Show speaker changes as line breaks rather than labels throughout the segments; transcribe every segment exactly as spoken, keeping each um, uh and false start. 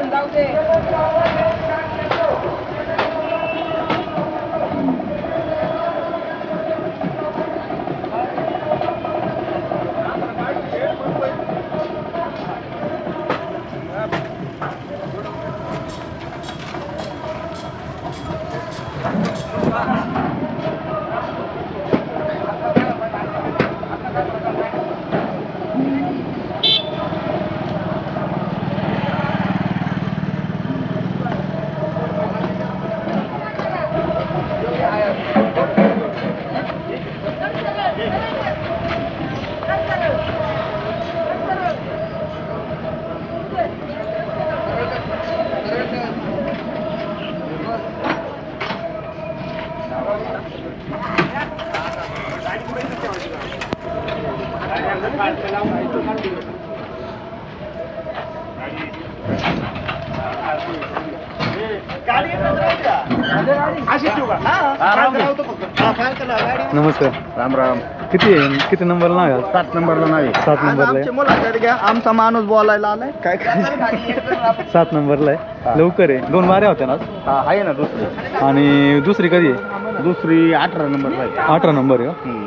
नमस्कार.
राम राम.
किती आहे किती नंबरला नाव आहे?
सात नंबरला नाही.
सात नंबरला आहे.
मुलाखत घ्या. आमचा माणूस बोलायला आलाय. काय काय
सात नंबरला आहे. लवकर आहे. दोन बाऱ्या होत्या ना?
हा आहे ना दुसरी.
आणि दुसरी कधी आहे?
दुसरी अठरा नंबरला आहे.
अठरा नंबर आहे का?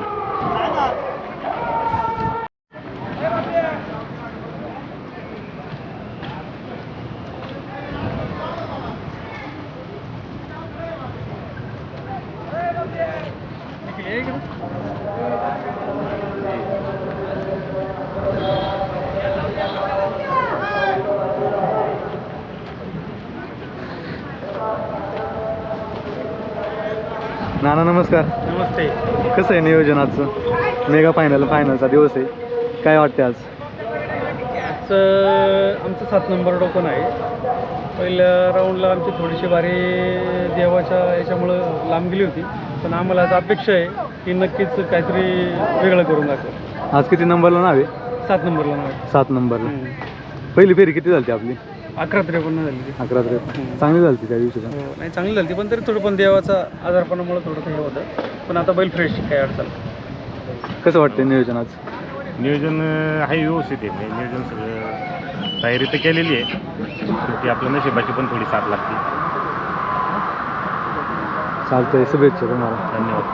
नाना नमस्कार.
नमस्ते.
कसं आहे नियोजन आजचं? मेगा फायनल फायनलचा दिवस आहे, काय वाटते आज?
आजचं आमचं सात नंबर टोकन आहे. पहिल्या राऊंडला आमची थोडीशी बारी देवाच्या याच्यामुळं लांब गेली होती, पण आम्हाला आज अपेक्षा आहे की नक्कीच काहीतरी वेगळं करून दाखवू.
आज किती नंबरला नाव आहे?
सात नंबरला नाही.
सात नंबरला. पहिली फेरी किती झाली आपली?
अकरा त्रेपन्न झाली ती.
अकरा त्रेपन्न. चांगली झाली त्या दिवशी.
हो, नाही चांगली झाली पण तरी थोडं पण देवाचा आजारपणामुळे थोडंसं हे होतं, पण आता बैल फ्रेश काही अडचण.
कसं वाटतं नियोजन आज?
नियोजन आहे व्यवस्थित आहे. म्हणजे नियोजन सगळं तयारी तर केलेली आहे, शेवटी आपल्या नशिबाची पण थोडी साथ लागते.
चालतंय, शुभेच्छा तुम्हाला.
धन्यवाद.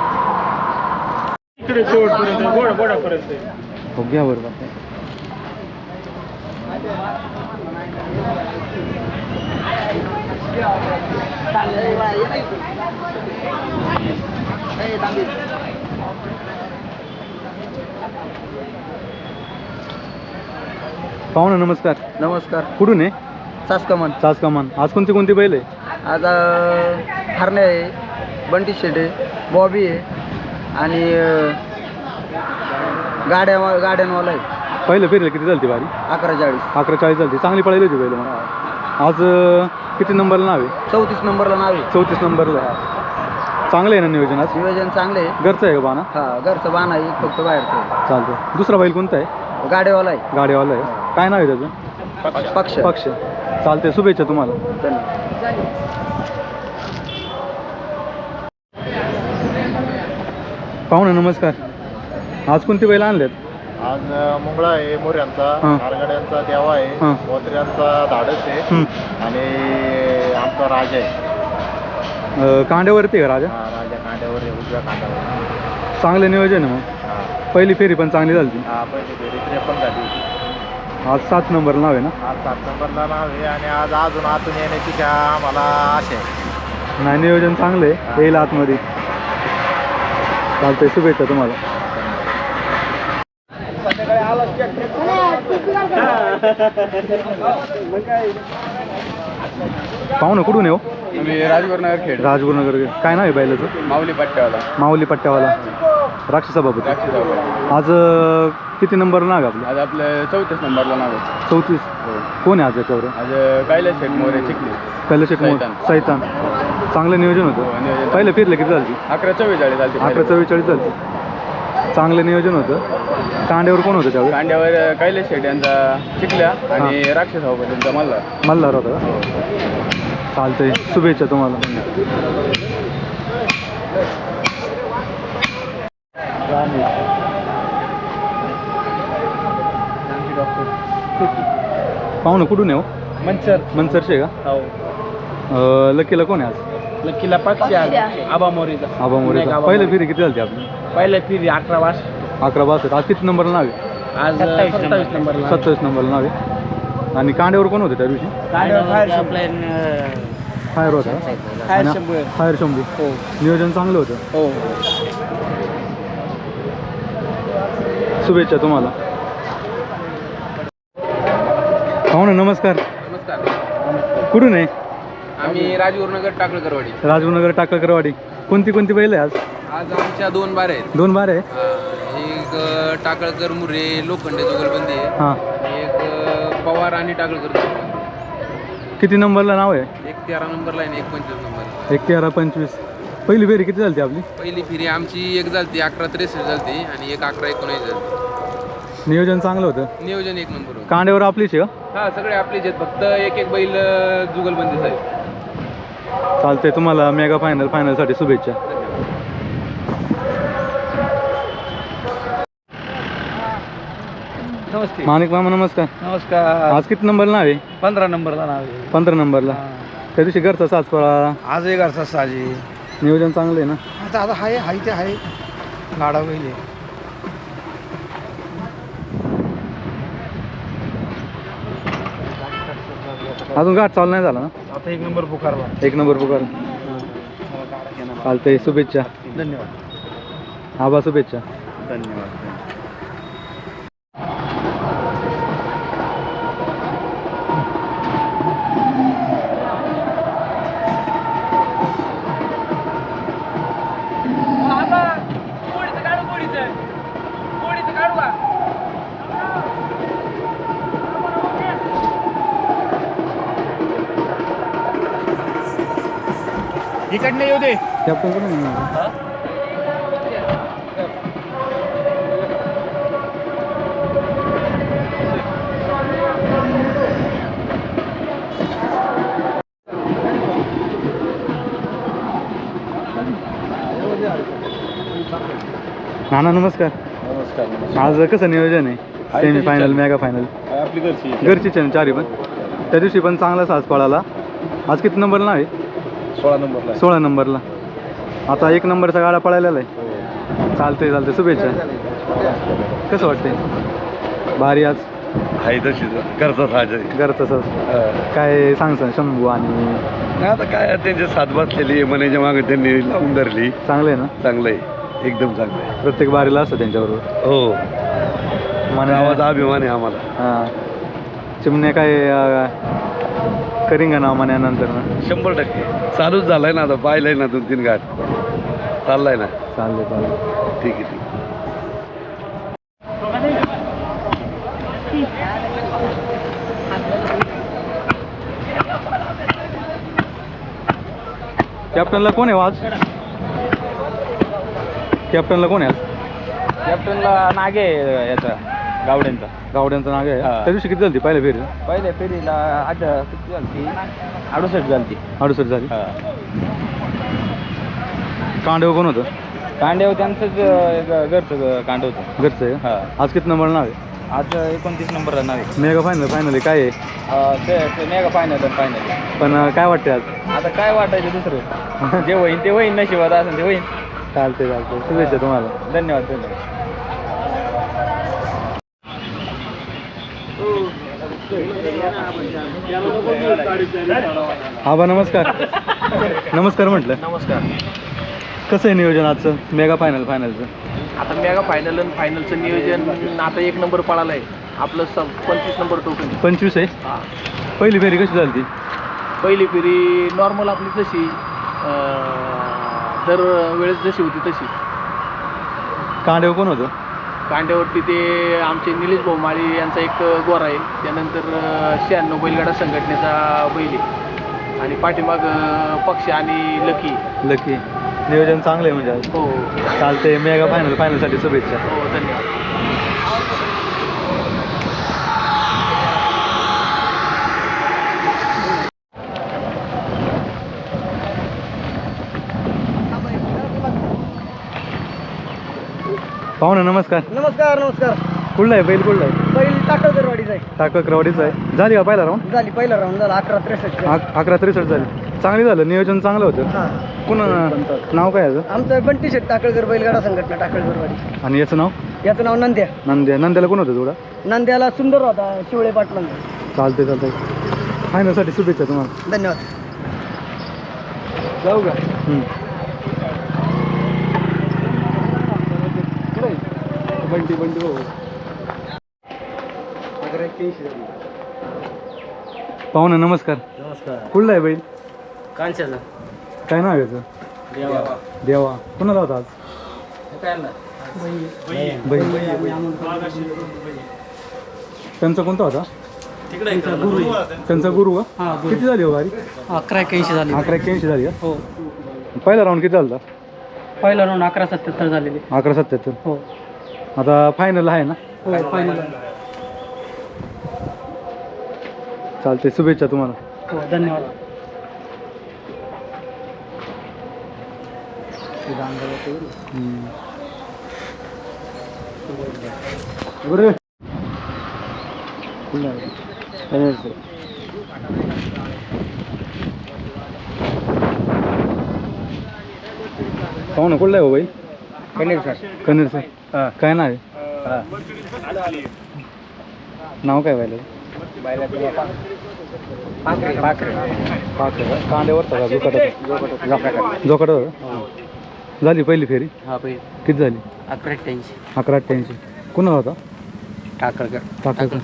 इकडे शेवटपर्यंत गोडा गोडापर्यंत
हो घ्या बरोबर. पाहुणा नमस्कार.
नमस्कार.
कुठून आहे?
सासकमान.
चास कमान. आज कोणती कोणती बैल आहे?
आज हरणे आहे, बंटी शेट आहे, बॉबी आहे आणि गाड्या गाड्यांवाला आहे.
पहिलं फेरीला किती झाली बारी?
अकरा चाळीस.
अकरा चाळीस झाली. चांगली पळायली होती बैल. मग आज अं, किती नंबरला नाव आहे?
चौतीस नंबरला नाव आहे.
चौतीस नंबरला. चांगलं आहे ना नियोजन आज?
नियोजन चांगलं आहे.
घरचं आहे का बाना?
हा घरचं बाण आहे, फक्त बाहेरचं आहे.
चालतं. दुसरा बैल कोणता आहे?
गाड्यावाला आहे.
गाडीवाला आहे. काय नाव आहे त्याचं?
पक्ष.
पक्ष. चालते, शुभेच्छा तुम्हाला. पाहुणे नमस्कार. आज कोणती बैल आणल्यात?
आज मुंगळा आहे, मोऱ्यांचा,
हां.
नारगड्यांचा देवा आहे,
हां.
मोत्र्यांचा धाडस आहे
हं.
आणि आमचा राजा आहे.
अं, कांड्यावरती आहे का राजा?
हा, राजा कांड्यावर आहे, उजव्या कांड्यावर.
चांगलं नियोजन आहे मग.
हा.
पहिली फेरी पण चांगली झाली ती.
हा, पहिली फेरी त्रेपन्न झाली होती.
आज सात नंबर नाव आहे ना?
आज सात नंबरला नाव आहे आणि आज अजून आतून येण्याची का आम्हाला आशा आहे.
नाही, नियोजन चांगलं आहे. येईल आतमध्ये. चालतंय, शुभेच्छा तुम्हाला. पाहुणं कुठून येऊ?
मी राजगुरुनगर खेळ.
राजगुरुनगर. काय नाव आहे बैलाचं?
माऊली पट्ट्यावाला.
माऊली पट्ट्यावाला. राक्षस सभापती. आज अं, किती नंबर नाव आहे आपलं?
आज आपलं चौतीस नंबरला नाव आहे.
चौतीस. कोण आहे आज याच्यावर?
आज कैलास शेठ मोरे चिखली.
पहिलं शेट
सैतान.
सैतान. चांगलं नियोजन
हो,
होतं.
नियोजन.
पहिलं फिरलं किती झाली?
अकरा चव्वेचाळीस झाली.
अकरा चव्वेचाळीस झाली. चांगलं नियोजन होतं. कांड्यावर कोण होतं त्यावेळी?
कांड्यावर कैलास शेठ यांचा चिखल्या आणि राक्षस त्यांचा मल्ला.
मल्हार होता का? चालतंय, शुभेच्छा तुम्हाला. पाहुणं कुठून येऊ?
मंचर
मनसरशे का?
हो
अं, लकीला कोण आहे आज?
लकीला पक्षी आहे आबा मोरीचा
आबा मोरेचा. पहिली फेरी किती झाली आपली?
पहिल्या फिरी अकरा वास
अकरा बासष्ट. आज किती नंबरला नाव आहे?
आज सत्तावीस नंबरला
सत्तावीस नंबरला नाव आहे. आणि कांड्यावर कोण होते त्या दिवशी? फायर होता
फायर
आणि
शंभू.
फायर शंभू.
हो
नियोजन चांगलं होतं.
हो
शुभेच्छा तुम्हाला. हो ना, नमस्कार.
नमस्कार.
कुठून आहे?
आम्ही राजगुरुनगर टाकळकरवाडी.
राजगुरुनगर टाकळकरवाडी. कोणती कोणती बैल आहे आज?
आज आमच्या दोन बार आहेत.
दोन बार आहे.
अं, एक अं, टाकळकर मुरे लोखंडे जोगलबंदी आहे.
हां.
एक अं, पवार आणि टाकळकर जोगलबंदी.
किती नंबरला नाव आहे?
एक तेरा नंबरला आहे आणि एक पंचवीस नंबर.
एक तेरा पंचवीस. पहिली फेरी किती झाली आपली?
पहिली फेरी आमची एक झालती अकरा त्रेसष्ट झालती आणि एक अकरा एकोणीस झालती.
नियोजन चांगलं होतं.
नियोजन एक नंबर होतं.
कांड्यावर आपलीच आहे का?
हा सगळे आपलेच आहेत, फक्त एक एक बैल अं, जुगलबंदीच आहे.
चालतंय. तुम्हाला मेगा फायनल फायनलसाठी शुभेच्छा.
नमस्ते.
माणिक मामा नमस्कार.
नमस्कार.
आज किती नंबरला नाव आहे?
पंधरा नंबरला नाव आहे.
पंधरा नंबरला. त्या दिवशी घरचा साज पळा.
आज एक घरचा साजी.
नियोजन चांगलं आहे ना?
आता आता हाय हाय ते आहे गाडा बैल.
अजून गाठ चालू नाही झाला ना?
आता एक नंबर पुकारला.
एक नंबर पुकार. चालतंय. शुभेच्छा.
धन्यवाद.
आबा शुभेच्छा.
धन्यवाद. इकडनं येऊ दे.
कॅप्टन कोण आहे? नाना नमस्कार.
नमस्कार.
आज कसं नियोजन आहे? सेमी फायनल मेगा फायनल
आपली घरची
घरचीच आहे ना चारी पण? त्या दिवशी पण चांगला साज पळाला. आज किती नंबरला आहे?
सोळा नंबरला.
सोळा नंबरला. आता एक नंबरचा गाडा पळायला आहे. चालतंय चालतंय. शुभेच्छा. कसं वाटतंय? भारी आज
आहे तशी घरचा साज आहे.
घरचं साज काय सांगसान शंभू आणि
नाही आता काय त्यांचे साथ बसलेली मनाच्या मागे त्यांनी लावून धरली.
चांगलं आहे ना?
चांगलं आहे, एकदम चांगलं आहे.
प्रत्येक बारीला असतं त्यांच्याबरोबर.
हो,
मन
गावाचा अभिमान आहे आम्हाला.
हां. चिमणे काय करिंगा नाव म्हण्यानंतर ना?
शंभर टक्के चालूच झालाय ना. आता पाहिलंय ना दोन तीन घाट चाललाय ना.
चाललं चाललं.
ठीक आहे ठीक आहे.
कॅप्टनला कोण आहे आज? कॅप्टनला कोण आहे आज?
कॅप्टनला नागे याचा गावड्यांचा.
गावड्यांचं नाग आहे.
हां.
त्या दिवशी किती झाली पहिल्या फेरी?
पहिल्या फेरीला आठ किती झाली? अडुसष्ट झाली.
अडुसष्ट झाली. कांडव कोण होतं?
कांड्यावर त्यांचंच ग- घरचं कांड होतं.
घरचं आहे.
हां.
आज किती नंबर नाव आहे?
आज एकोणतीस नंबरला नाव आहे.
मेगा फायनल फायनल आहे काय आहे?
अं, ते ते मेगा फायनल फायनल.
पण अं, काय वाटते आज?
आता काय वाटायचं दुसरं? जे होईन ते होईन, नशिबात असेल ते होईन.
चालते चालते. शुभेच्छा तुम्हाला.
धन्यवाद धन्यवाद.
आबा नमस्कार. नमस्कार म्हटलं.
नमस्कार.
कसं आहे नियोजन आजचं मेगा फायनल फायनलचं?
आता मेगा फायनल आणि फायनलचं नियोजन आता एक नंबर पळाला आहे आपलं स पंचवीस नंबर टोकन.
पंचवीस आहे.
हां.
पहिली फेरी कशी झाली ती?
पहिली फेरी नॉर्मल आपली जशी दर वेळेस जशी होती तशी.
कांडेव कोण होतं?
कांड्यावरती ते आमचे निलेश भाऊ माळी यांचा एक गोरा आहे. त्यानंतर शहाण्णव बैलगाडा संघटनेचा बैल आहे आणि पाठीमाग पक्ष आणि लकी.
लकी. नियोजन चांगलं आहे म्हणजे आज.
हो
चालते. मेगा फायनल फायनलसाठी शुभेच्छा.
हो धन्यवाद.
पाहुणे नमस्कार.
नमस्कार नमस्कार.
कुठला आहे बैल कुठला आहे?
बैल टाकळकरवाडीचा आहे.
टाकक्रवाडीचा आहे. झाली का पहिला राऊंड?
झाली पहिला राऊंड झाला अकरा त्रेसष्ट.
अकरा त्रेसष्ट झाली. चांगली झालं, नियोजन चांगलं होतं.
हां
पुन्हा नाव काय याचं?
आमचं बंटी शेट टाकळकर बैलगाडा संघटना टाकळकरवाडी.
आणि याचं नाव?
याचं नाव नंद्या.
नंद्या. नंद्याला कोण होतं थोडा?
नंद्याला सुंदर होता शिवळे पाटलांचा.
चालते चालतंय. फायनलसाठी शुभेच्छा तुम्हाला.
धन्यवाद.
जाऊ का? बंटी बंटी भाऊ. पाहुणे नमस्कार.
नमस्कार.
कुठला आहे बैल?
कांच्याचा
काय नाव आहे याचं?
देवा.
देवा. कोणाला होता आज?
काय ना
बैल. त्यांचा कोणता होता?
गुरु
त्यांचा गुरु का? किती झाली हो वारी?
अकरा एक्याऐंशी झाली.
अकरा एक्क्याऐंशी झाली का?
हो.
पहिला राऊंड किती झाला?
पहिला राऊंड अकरा सत्याहत्तर झालेली.
अकरा सत्याहत्तर.
हो
आता फायनल आहे ना?
हो फायनल.
चालते, शुभेच्छा तुम्हाला.
हो धन्यवाद.
बरं. पाहू ना कुठला आहे हो बाई?
कनेर सर.
कनेर सर. काय नाव आहे? नाव काय व्हायला?
पाखरे पाखरे
पाच कांद्यावर का जोकाट जोकाट झाली पहिली फेरी?
हा बैल
किती झाली?
अकरा एक्याऐंशी.
अकरा अठ्ठ्याऐंशी. कुणाला होता?
टाकळकर.
टाकायचं.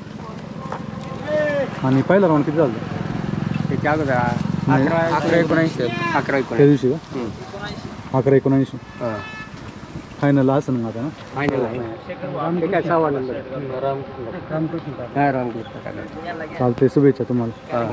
आणि पहिला राऊंड किती झालं?
त्याच्या अगोदर अकरा अकरा एकोणऐंशी. अकरा
त्या
एकोणऐंशी.
दिवशी का? अकरा एकोणऐंशी. फायनल असं ना आता ना?
फायनल आहे. काय सहा नंबर. रामकृष्ण.
चालते, शुभेच्छा तुम्हाला.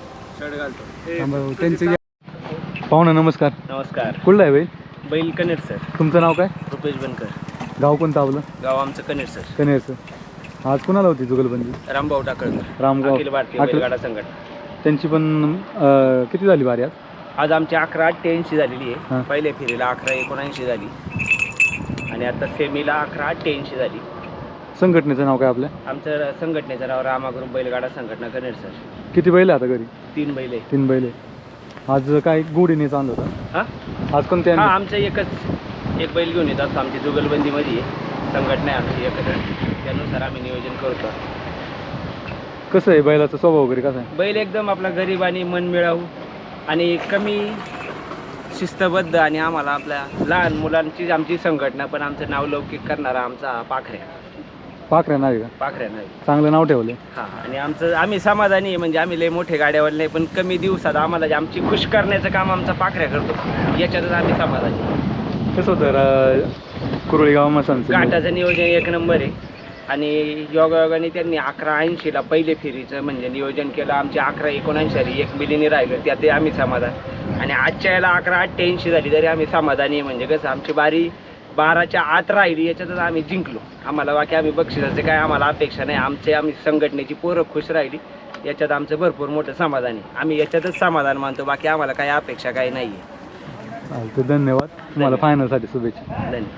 त्यांचे पाहुणा नमस्कार.
नमस्कार.
कुठला आहे बाई?
बैल कनेर सर.
तुमचं नाव काय?
रुपेश बनकर.
गाव कोणतं आपलं?
गाव आमचं कनेर सर.
कनेर सर. आज कुणाला होती जुगलबंदी?
रामभाऊ टाकळकर.
रामगाव.
अखिल भारतीय
अखिल-
बैलगाडा संघटना.
त्यांची पण अं, किती झाली वारी आज?
आज आमची अकरा अठ्ठ्याऐंशी झालेली
हां.
आहे. पहिल्या फेरीला अकरा एकोणऐंशी झाली आणि आता सेमीला अकरा अठ्ठ्याऐंशी झाली.
संघटनेचं नाव काय आपल्या?
आमचं संघटनेचं नाव रामागुरू बैलगाडा संघटना कनेर सर.
किती बैल आहे आता घरी?
तीन बैल आहे.
तीन बैल आहे. आज काय गोडीने चांद होता?
हां
आज कोणते
हां
आणले?
आमचं एकच एक बैल घेऊन येतात. आमची जुगलबंदीमध्ये आहे. संघटना आहे आमची एकत्र, त्यानुसार आम्ही नियोजन करतो.
कसं आहे बैलाचा स्वभाव वगैरे कसा आहे?
बैल एकदम आपला गरीब आणि मनमिळावू आणि कमी शिस्तबद्ध आणि आम्हाला आपल्या लहान मुलांची आमची संघटना पण आमचं नाव लौकिक करणारा आमचा हा पाखऱ्या.
पाखऱ्या नाही का?
पाखऱ्या नाही.
चांगलं नाव ठेवले.
हां आणि आमचं आम्ही समाधानी आहे. म्हणजे आम्ही लय मोठे गाड्यावर नाही पण कमी दिवसात आम्हाला जे आमची खुश करण्याचं काम आमचा पाखऱ्या करतो, याच्यातच आम्ही समाधानी आहे.
कसं होतं रा- कुरळी गाव मसांचं?
घाटाचं नियोजन एक नंबर आहे आणि योगायोगाने त्यांनी अकरा ऐंशीला पहिले फेरीचं म्हणजे नियोजन केलं. आमची अकरा एकोणऐंशी झाली, एक मिलीने राहिलं, त्यातही आम्ही समाधान. आणि आजच्या याला अकरा अठ्ठ्याऐंशी झाली तरी आम्ही समाधानी आहे. म्हणजे कसं आमची बारी बाराच्या आत राहिली, याच्यातच आम्ही जिंकलो. आम्हाला बाकी आम्ही बक्षिसाचे काय आम्हाला अपेक्षा नाही. आमचे आम्ही संघटनेची पोरं खुश राहिली, याच्यात आमचं भरपूर मोठं समाधान आहे. आम्ही याच्यातच समाधान मानतो, बाकी आम्हाला काही अपेक्षा काही नाही आहे.
चालतं, धन्यवाद तुम्हाला. फायनलसाठी शुभेच्छा.
धन्यवाद.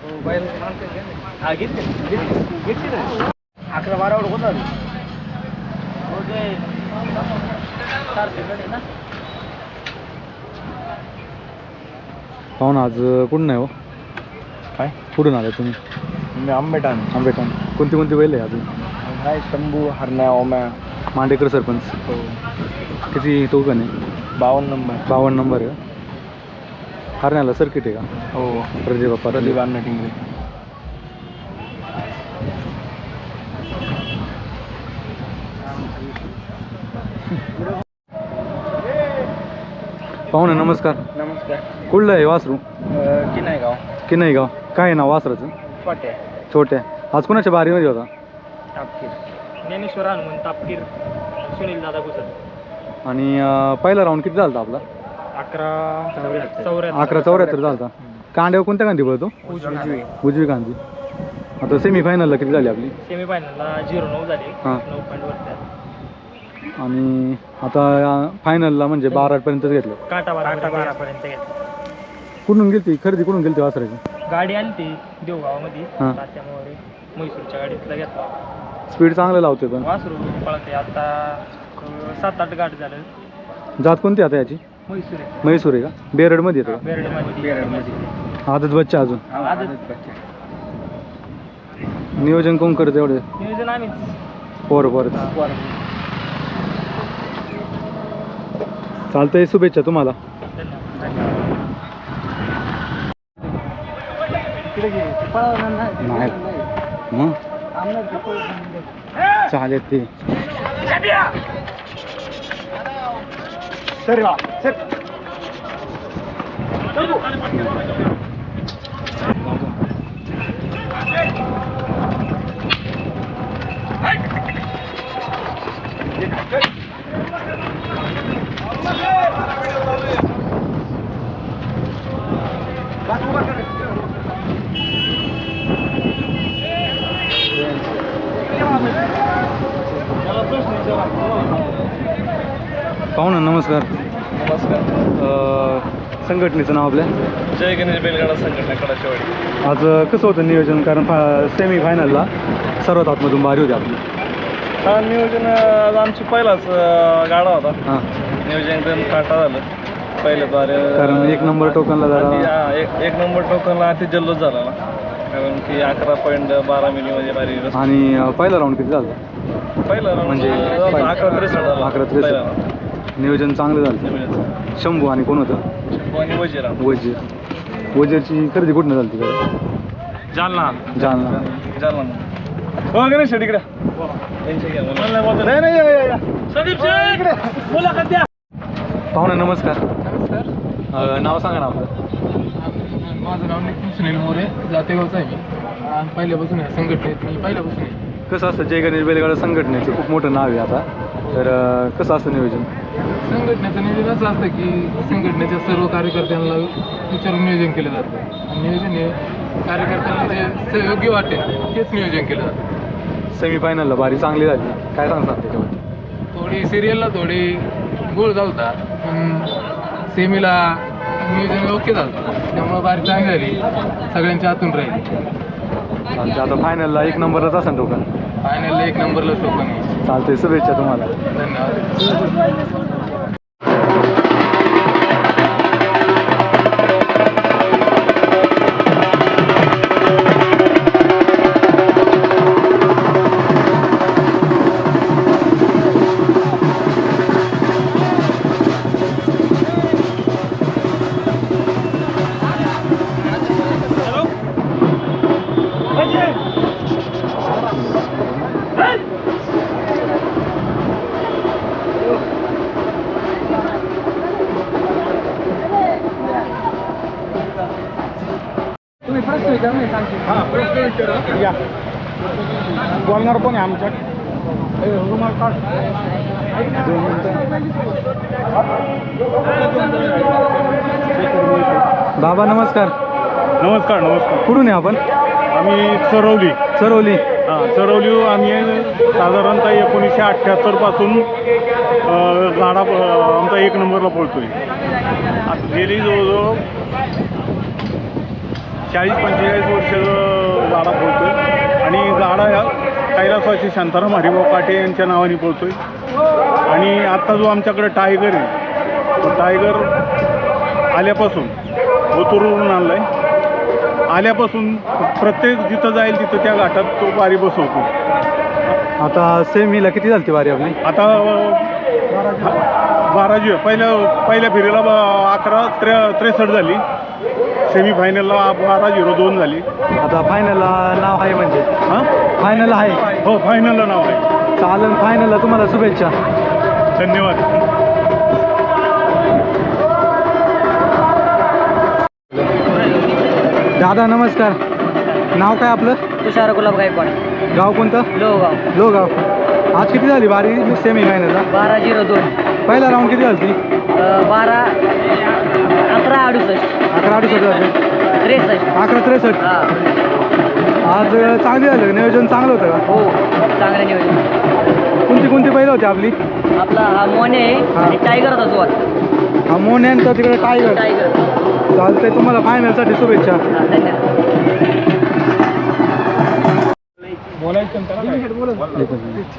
अकरा बारावर होता.
पाहून आज कुठून नाही हो?
काय?
कुठून आले तुम्ही?
मी आंबेटान.
आंबेठाण. कोणती कोणती बैल आहे अजून?
हाय शंभू, हरण्या, ओम्या.
मांडेकर सरपंच.
हो.
किती तो का नाही?
बावन्न नंबर.
बावन्न नंबर आहे. हरण्याला सर्किट आहे का?
हो.
प्रदीप बाप्पा.
प्रदीप अण्णा टिंगरे.
पाहुणे नमस्कार.
नमस्कार.
कुठलं आहे वासरू?
की नाही गाव.
की नाही गाव. काय आहे नाव वासराचं?
छोटे.
छोट्या. आज कोणाच्या बारीमध्ये होता?
तापकीर. ज्ञानेश्वर हनुमान तापकीर. सुनील दादा गुजर.
आणि अं, पहिला राऊंड किती झाला आपला?
अकरा चौऱ्याहत्तर.
अकरा चौऱ्याहत्तर झाला. कांड्यावर कोणत्या गांधी पळतो?
उजवी.
उजवी गांधी. आता सेमीफायनलला किती झाली आपली?
सेमीफायनलला झिरो नऊ झाली.
हां.
नऊ पॉईंट वरती.
आणि आता फायनलला म्हणजे बारा पर्यंतच घेतलं.
काटा बारा काटा बारापर्यंत घेतली.
कुठून गेलती खरेदी? कुठून गेलती वासराची?
गाडी आली ती देवगावामध्ये.
हां.
त्यामुळे
म्हैसूरच्या गाडीतला घेतला.
स्पीड चांगलं लावते पण.
वासरू पळते आता अं, सात आठ गाठ झालं.
जात कोणती आता याची?
म्हैसूर आहे.
म्हैसूर आहे का? बेरडमध्ये येतो का?
बेरडमध्ये बेरडमध्ये
आदत बच्चा अजून
आदत
नियोजन कोण करत एवढे?
नियोजन आम्हीच.
पोर पोर चालतंय, शुभेच्छा तुम्हाला. नाही मग चालेल ते. पाहुणा नमस्कार.
नमस्कार.
अं, संघटनेचं नाव आपल्या?
जय गणेश बैलगाडा संघटना कडाचेवाडी.
आज अं, कसं होतं नियोजन? कारण सेमी फायनलला सर्वात आतमधून बारी होती आपली.
हा नियोजन आज आमची पहिलाच अं, गाडा होता.
हां,
नियोजन एकदम काटा झालं पहिल्या द्वारे.
कारण एक नंबर टोकनला जरा
हा, एक एक नंबर टोकनला अति जल्लोष झाला ना, कारण की अकरा पॉईंट बारा मिलीमध्ये बारी रस-
आणि अं, पहिला राऊंड किती झाला?
पहिला round
म्हणजे
जवळपास अकरा त्रेसष्ट झाला.
अकरा त्रेसष्ट.
पहिला round.
नियोजन चांगलं झालं.
नियोजन.
शंभू आणि कोण होतं?
शंभू आणि वजीर.
वजीर. वजीरची खरेदी कुठनं झाली तिकडे?
जालना.
जालना.
जालना. हो गणेश शेट इकडे. त्यांच्या घ्या. मला नाही बोलता. नाही नाही या, या, या. संदीप शेट इकडे मुलाखत द्या.
पाहुणे नमस्कार.
नमस्कार.
अं, नाव सांगा ना आपलं.
माझं नाव नितीन सुनील मोरे, जातेगावचा आहे मी. आणि पहिल्यापासून आहे संघटनेत मी पहिल्यापासून आहे.
कसं असतं जय गणेश बैलगाडा संघटनेचं खूप मोठं नाव आहे आता, तर अं, कसं असतं नियोजन?
संघटनेचं नियोजन असं असतं की संघटनेच्या सर्व कार्यकर्त्यांना विचारून नियोजन केलं जातं. आणि नियोजन हे कार्यकर्त्यांना जे स- योग्य वाटेल तेच नियोजन केलं जातं.
सेमीफायनलला बारी चांगली झाली, काय सांगतात त्याच्यामध्ये?
थोडी सिरियलला थोडी गोळ झालता, पण सेमीला नियोजन योग्य झालं, त्यामुळं बारी चांगली झाली, सगळ्यांच्या हातून राहिली.
चालते, आता फायनलला एक नंबरलाच असेल टोकन.
फायनलला एक नंबरला टोकन आहे.
चालते, शुभेच्छा तुम्हाला.
धन्यवाद.
या बोलणार कोण आहे आमच्या? बाबा नमस्कार.
नमस्कार नमस्कार.
कुठून आहे आपण?
आम्ही चरवली.
चरवली.
हां चरवली. आम्ही साधारणतः एकोणीसशे अठ्ठ्याहत्तरपासून गाडा अ, आमचा एक नंबरला पळतो आहे. आता गेली जवळजवळ चाळीस पंचेचाळीस वर्ष गाडा पळतो आहे. आणि गाडा ह्या कैलासवासी शांताराम हरिभाऊ काटे यांच्या नावाने पळतो आहे. आणि आत्ता जो आमच्याकडे टायगर आहे, तो टायगर आल्यापासून ओतूरवरून आणला आहे. आल्यापासून प्रत्येक जिथं जाईल तिथं त्या घाटात तो बारी बसवतो.
आता सेमीला किती झाली ती बारी आपली?
आता बारा जी पहिल्या पहिल्या फेरीला ब- अकरा त्रे त्रेसष्ट झाली. सेमीफायनलला बारा झिरो दोन झाली.
आता फायनलला नाव आहे म्हणजे?
हां
फायनल आहे.
हो फायनलला नाव आहे.
चालेल, फायनलला तुम्हाला शुभेच्छा.
धन्यवाद.
दादा नमस्कार. नाव काय आपलं?
तुषार गुलाब गायकवाड,
गाव कोणतं?
लोहगाव.
लोहगाव. आज किती झाली बारी सेमी फायनलला?
बारा झिरो दोन.
पहिला राऊंड किती झाली ती?
बारा अकरा अडुसष्ट.
अकरा अडुसष्ट झाली.
त्रेसष्ट.
अकरा त्रेसष्ट.
हां
आज चांगली झालं, नियोजन चांगलं होतं का?
हो, चांगलं नियोजन.
कोणती कोणती पहिलं होती आपली?
आपला हा मोने आहे
हां.
आणि टायगर होता जो आता.
हा मोन यांचा तिकडे टायगर.
टायगर.
चालतंय, तुम्हाला फायनलसाठी शुभेच्छा.
हां, धन्यवाद.
बोलायचं त्याला काय?
एकच मिनिट.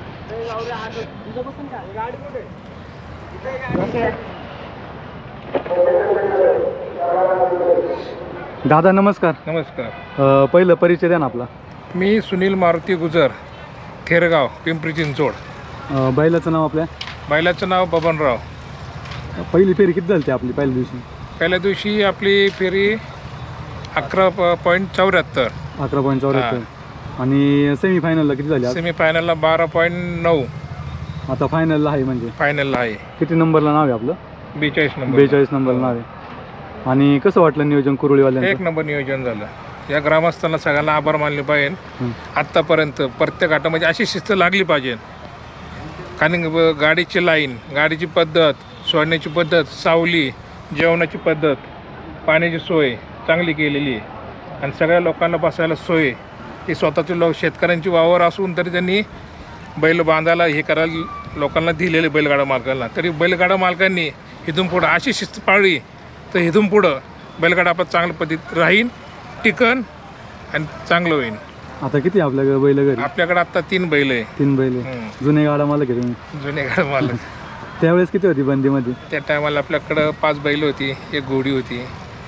दादा नमस्कार.
नमस्कार.
अ, पहिलं परिचय द्या ना आपला.
मी सुनील मारुती गुजर, थेरगाव, पिंपरी चिंचवड.
अ, बैलाचं नाव आपल्या.
बैलाचं नाव बबनराव.
पहिली फेरी किती झाली आपली पहिल्या दिवशी?
पहिल्या दिवशी आपली फेरी अकरा पॉईंट चौऱ्याहत्तर,
अकरा पॉईंट चौऱ्याहत्तर आणि सेमीफायनलला किती झाली आज?
सेमीफायनलला बारा पॉईंट नऊ,
आता फायनलला आहे म्हणजे
फायनलला आहे
किती नंबरला नाव आहे आपलं?
बेचाळीस नंबर.
बेचाळीस नंबरला नाव आहे. आणि कसं वाटलं नियोजन
एक
कुरुळीवाल्यांचं?
नंबर नियोजन झालं. या ग्रामस्थांना सगळ्यांना आभार मानले पाहिजे.
हं.
आत्तापर्यंत प्रत्येक घाटामध्ये अशी शिस्त लागली पाहिजे. कारण ब- गाडीची लाईन, गाडीची पद्धत, सोडण्याची पद्धत, सावली, जेवणाची पद्धत, पाण्याची सोय चांगली केलेली आहे. आणि सगळ्या लोकांना बसायला सोय. ही स्वतःचे लोक शेतकऱ्यांची वावर असून तरी त्यांनी बैल बांधायला हे करायला लोकांना दिलेले बैलगाडा मालकांना. तरी बैलगाडा मालकांनी इथून पुढं अशी शिस्त पाळली तर इथून पुढं बैलगाडा आपला चांगल्या पद्धतीत राहील, टिकन आणि चांगलं होईल.
आता किती आहे आपल्याकडे बैल घरी?
आपल्याकडे आता तीन बैल आहे.
तीन बैल आहे.
हं.
जुने गाडा मालक आहे तुम्ही.
जुने गाडा मालक.
त्यावेळेस किती होती बंदीमध्ये?
त्या टायमाला आपल्याकडं पाच बैल होती, एक घोडी होती.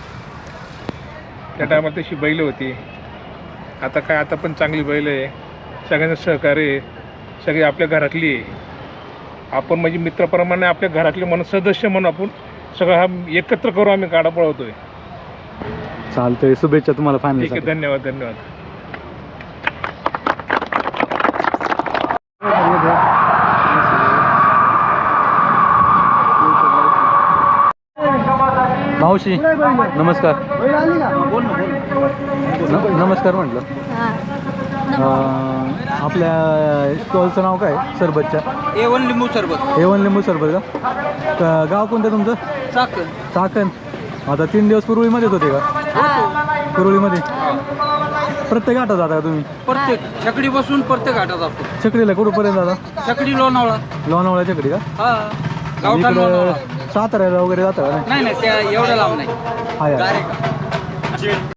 त्या टायमाला तशी बैल होती. आता काय, आता पण चांगली बैल आहे. सगळ्यांचं सहकार्य आहे. सगळी आपल्या घरातली आहे. आपण म्हणजे मित्राप्रमाणे आपल्या घरातले म्हणून सदस्य म्हणून आपण सगळं हा एकत्र करू आम्ही गाडा पळवतोय.
चालतंय, शुभेच्छा तुम्हाला फायनल.
ठीक आहे, धन्यवाद धन्यवाद.
मावशी नमस्कार. न- नमस्कार म्हटलं. अं, आपल्या स्टॉलचं नाव काय? सरबतच्या
ए वन लिंबू सरबत.
ए वन लिंबू सरबत का? क- गाव कोणतं तुमचं?
चाकण.
चाकण. आता तीन दिवस कुरुळीमध्येच होते का? कुरुळीमध्ये प्रत्येक घाटात जाता का तुम्ही?
प्रत्येक छकडी बसून प्रत्येक घाटात जातो.
चकडीला कुठपर्यंत जाता?
छकडी लोणावळा.
लोणावळा चकडी का?
हा, गावठाण लोणावळा.
इकडं साताऱ्याला वगैरे जाता का?
नाही नाही, त्या एवढ्या लांब नाही.
नाही हाय.